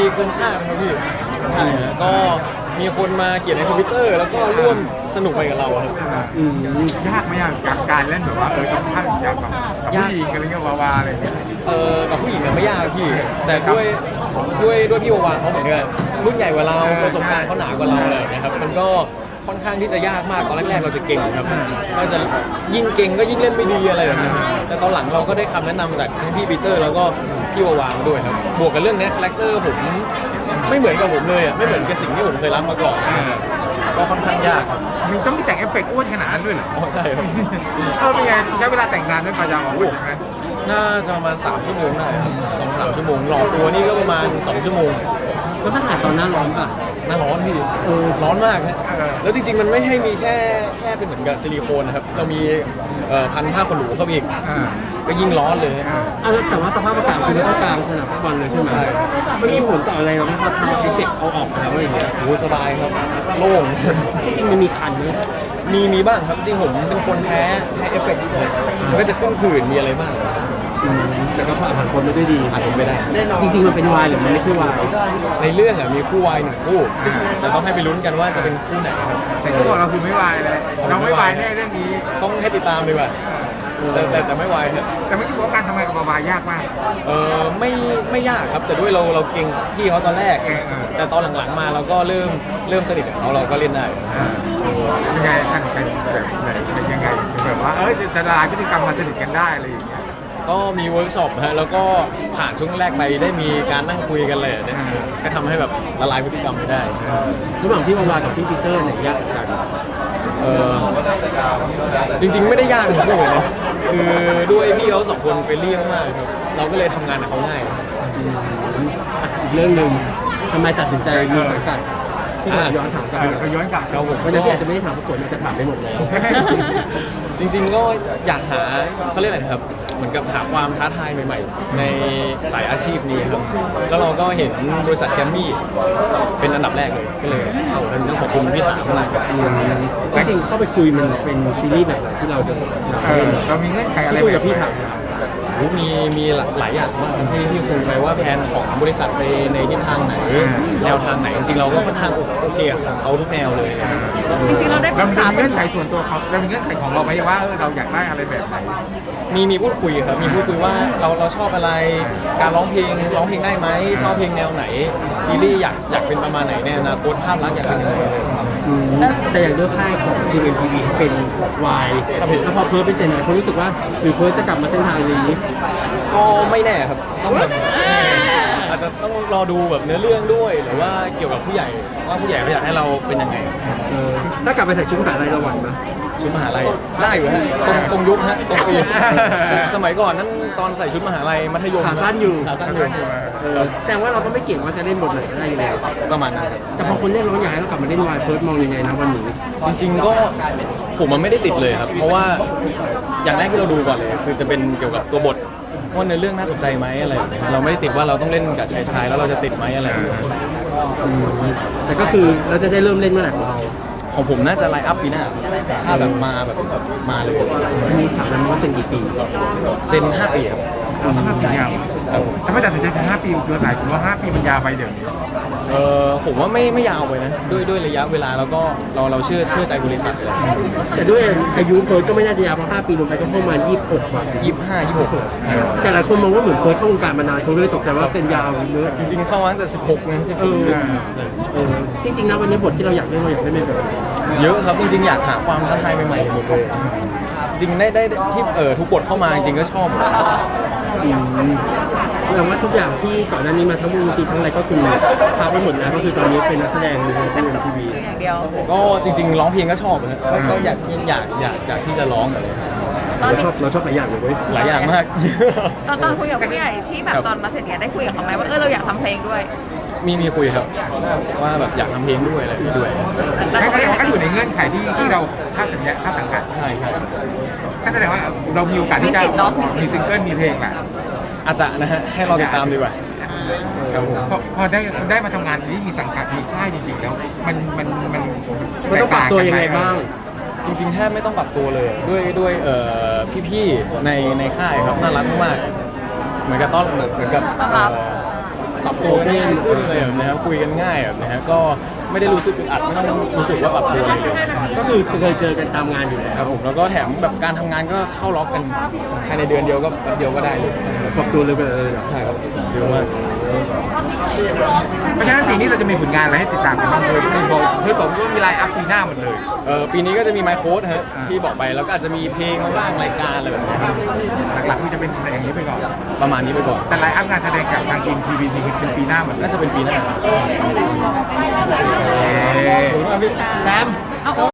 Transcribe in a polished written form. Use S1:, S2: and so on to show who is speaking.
S1: เกินคาดครับพี่ใช่ฮะก็มีคนมาเขียนใน Twitter แล้วก็ร่วมสนุกไปกับเราครับ
S2: ยากไหมกับการเล่นแบบว่าต้องท่าอยากแบบผู้หญิงอะไรเงี้ยวาวาอะไรเงี้ย
S1: กับผู้หญิงไม่ยากพี่แต่ด้วยพี่วาวาเขาเหมือนกันรุ่นใหญ่กว่าเราประสบการณ์เขาหนากว่าเราอะไรนะครับมันก็ค่อนข้างที่จะยากมากตอนแรกๆเราจะเก่งครับก็จะยิ่งเก่งก็ยิ่งเล่นไม่ดีอะไรแบบนี้แต่ตอนหลังเราก็ได้คำแนะนำจากทั้งพี่ปีเตอร์แล้วก็พี่วาวามาด้วยครับบวกกับเรื่องนี้คาแรคเตอร์ผมไม่เหมือนกับผมเลยอ่ะไม่เหมือนกับสิ่งที่ผมเคยรับมาก่อนก็ค่อนข้างยากครับ
S2: มีต้องมีแต่งเอฟเฟกต์อ้วนขนาดนั้นด้วยเหรอ
S1: ใช่ครับ
S2: ชอบเป็นไงใช้เวลาแต่งนานด้วยกว่าจะออกมาไหม
S1: น่าจะประมาณ3 ชั่วโมงได้ครับ2-3 ชั่วโมงหล่อตัวนี่ก็ประมาณ2 ชั่วโมง
S3: แล้วถ้าถ่ายตอนหน้าร้อนป่ะ
S1: หน้าร้อนพี่ร้อนมากนะแล้วจริงๆมันไม่ใช่มีแค่เป็นเหมือนกับซิลิโคนนะครับเรามีพันผ้าขนหนูเข้าไปอีกก็ยิ่งร้อนเลย
S3: แต่ว่าสภาพอากาศคือไม่ต้องกลางสนามฟุตบอลเลยใช่ไหมมันมีผลต่ออะไรเราไหมพอทำเอฟเฟกต์เอาออกแล้วอะไรอย่างเงี้ย
S1: โอ้สบายครับโล่ง
S3: จริงมันมีคันไหม
S1: มีบ้างครับจริงผมเป็นคนแพ้เอฟเฟกต์ด้วยมันก็จะขึ้นผื่นมีอะไรบ้าง
S3: แต่ก็ผ่านพ้นไปด้วยดี
S1: ผ่านพ้นไปได้
S3: จริงๆมันเป็นวายหรือมันไม่ใช่วาย
S1: ในเรื่องมีคู่วาย1 คู่แต่ต้องให้ไปลุ้นกันว่าจะเป็นคู่ไหนครับ
S2: แต่คู่ของเราคือไม่วายเลยน้องไม่วายแน่เรื่องนี้
S1: ต้องให้ติดตามดีกว่าแต่ไม่วายครับ
S2: แต่ไม่คิดว่าการทำงานกับวายยากมาก
S1: ไม่ยากครับแต่ด้วยเราเก่งพี่เขาตอนแรกแต่ตอนหลังๆมาเราก็เริ่มสนิทกับเขาเราก็เล่นได้
S2: ยังไงท่านเป็นแบบไหนเป็นยังไงแบบว่าจะละลายพฤติกรรมมาสนิทกันได้อะไรอย่างเงี้ย
S1: ก็มีเวิร์กช็อปฮะแล้วก็ผ่านช่วงแรกไปได้มีการนั่งคุยกันเลยนะก็ทำให้แบบละลายพฤติกรรมไปได้
S3: ระหว่างพี่วาวากับพี่ปีเตอร์ไหนยากกัน
S1: จริงๆไม่ได้ยากทั้งคู่เลยนะคือด้วยพี่เขา2 คนเฟรนลี่มากๆครับเราก็เลยทำงานกับเขาง่าย
S3: อีกเรื่องหนึ่งทำไมตัดสินใจมีสังกัดที่ย้อนถามกัน
S2: ก็ย้อนกลับ
S1: เรา
S3: วันนี้อาจจะไม่ได้ถามประกวดมันจะถามไปหมดแล้ว
S1: จริงๆก็อยากหาเขาเรียกอะไรนะครับเหมือนกับหาความท้าทายใหม่ๆในสายอาชีพนี้ครับแล้วเราก็เห็นบริษัทแกรมมี่เป็นอันดับแรกเลยก็เลยเอาเป็นเรื่องของคุณพี่ถามมา
S3: ก็จริงเข้าไปคุยมันเป็นซีรีส์แบบไหนที่เราจะ
S2: เรามีเงื่อนไขอะไร
S3: แบบพี่ถาม
S1: มีหลายอย่างมากที่คุยไปว่าแผนของบริษัทไปในทิศทางไหนแนวทางไหนจริงๆเราก็ค่อนข้างโอเคเอาทุกแนวเลย
S4: จริงๆเราได้ปรึกษา
S2: เงื่อนไขส่วนตัวเขาเรามีเงื่อนไขของเราไหมว่าเราอยากได้อะไรแบบไหน
S1: มีพูดคุยครับมีพูดคุยว่าเราชอบอะไรการร้องเพลงได้ไหมชอบเพลงแนวไหนซีรีส์อยากเป็นประมาณไหนในอนาคตภาพลักษณ์อยากเป็นยังไง
S3: แต่อย่างเรื่องค่ายของ GMMTV เป็นวายแล้วพอเพิร์ดไปเซ็นไหนเขารู้สึกว่าหรือเพิร์ดจะกลับมาเส้นทางนี้
S1: ก็ไม่แน่ครับต้องแบบอาจจะต้องรอดูแบบเนื้อเรื่องด้วยหรือว่าเกี่ยวกับผู้ใหญ่ว่าผู้ใหญ่เขาอยากให้เราเป็นยังไง
S3: ถ้ากลับไปใส่ชุดมหาลัยเราไหวไหม
S1: ชุดมหาลัยได้อยู่ฮะตรงยุคฮะตรงปีสมัยก่อนนั้นตอนใส่ชุดมหาลัยมัธยม
S3: ขาสั้นอยู่แสดงว่าเราก็ไม่เก่งว่าจะเล่นบทไหนได้อยู่แล้ว
S1: ประมาณนั้น
S3: แต่พอคนเล่นร้องอยากให้เรากลับมาเล่นวายเพิร์ดมองยังไงนะวันนี้
S1: จริงๆก็ผมมันไม่ได้ติดเลยครับเพราะว่าอย่างแรกที่เราดูก่อนเลยคือจะเป็นเกี่ยวกับตัวบทว่าเนื้อเรื่องน่าสนใจไหมอะไรเราไม่ได้ติดว่าเราต้องเล่นกับชายแล้วเราจะติดไหมอะไร
S3: แต่ก็คือเราจะได้เริ่มเล่นเมื่อไหร่
S1: ของผมน่าจะไลน์อัพปีหน้าถ้าแบบมาเลย
S3: มีถามกันว่าเซ็นกี่ปี
S1: เซ็น5 ปีครับ
S2: 5 ปียาวถ้าไม่ตัดสินใจเป็น5 ปีเดือนไหนผมว่า5 ปีมันยาวไปเดี๋ยวนี้
S1: ผมว่าไม่ยาวไปนะด้วยระยะเวลาแล้วก็เราเชื่อใจบริษัทเลย
S3: แต่ด้วยอายุเพิร์ดก็ไม่น่าจะยาวเพราะ5 ปีลงไปก็ประมาณ26 กว่า
S1: 25-26
S3: แต่หลายคนมองว่าเหมือนเพิร์ดเข้าวงการมานานเขาเลยตกใจว่าเซ็นยาวเยอะ
S1: จริงๆเข้ามาตั้งแต่16นะ
S3: จริงๆนะวันนี้บทที่เราอยากเล่นแบบ
S1: เยอะครับจริงๆอยากหาความท้าทายใหม่ๆหมดเลยจริงได้ที่ทุกบทเข้ามาจริงๆก็ชอบ
S3: แสดงว่าทุกอย่างที่ก่อนหน้านี้มาทั้งวงดนตรีทั้งอะไรก็คือพักไปหมดแล้วก็คือตอนนี้เป็นนักแสดงในช่องทีวี
S4: อย่างเดียว
S1: ก็จริงๆร้องเพลงก็ชอบนะก็อยากที่จะร้องเลย
S3: เราชอบหลายอย่างเลย
S1: หลายอย่างมาก
S4: ตอนคุยกับผู้ใหญ่ที่แบบตอนมาเสร็จเนี่ยได้คุยกับเขาไหมว่าเราอยากทำเพลงด้วย
S1: มีคุยครับว่าแบบอยากทำเพลงด้วยอะไรด้วย
S2: ก็อยู่ในเงื่อนไขที่เราค่าสัญญาค่าสังกัด
S1: ใช่
S2: ก็แสดงว่าเรามีโอกาสที่จะมีซิงเกิลมีเพลงแหละ
S1: อาจจะนะฮะให้เราติดตามดีกว่า
S2: ครับผมพอได้มาทำงานที่มีสังกัดมีค่ายจริงๆแล้วมัน
S3: ต้องปรับตัวยังไงบ้าง
S1: จริงๆแทบไม่ต้องปรับตัวเลยด้วยพี่ๆในค่ายครับน่ารักมากเหมือนกับปรับตัวกันง่ายขึ้นเลยแบบนะครับคุยกันง่ายแบบนะฮะก็ไม่ได้รู้สึกอึดอัดไม่ต้องรู้สึกว่าปรับตัวอะไรเลย
S3: ก็คือเคยเจอกันตามงานอยู่แล้ว
S1: ครับผมแล้วก็แถมแบบการทำงานก็เข้าล็อกกันภายในเดือนเดียวก็แป๊บเดียวก็ได้เลย
S3: ปรับตัวเลยไปเลย
S1: ใช่ครับเร็วมาก
S2: เพราะฉะนั้นปีนี้เราจะมีผลงานอะไรให้ติดตามกันบ้างเลยพี่บอกว่ามีไลน์อัพปีหน้าหมดเลย
S1: ปีนี้ก็จะมีไมโค้ดฮะที่บอกไปแล้วก็อาจจะมีเพลงบ้างรายการอะไรแบบนี้ครับ
S2: หลักๆคือจะเป็นอย่างนี้ไปก่อน
S1: ประมาณนี้ไปก่อน
S2: แต่ไลน์อัพงานแสดงกับทางทีมทีวีนี่คือเป็นปีหน้าหมดเลย
S1: น่าจะเป็นปีหน้า
S2: เย้
S1: ขอบคุณมากพี่
S3: แซม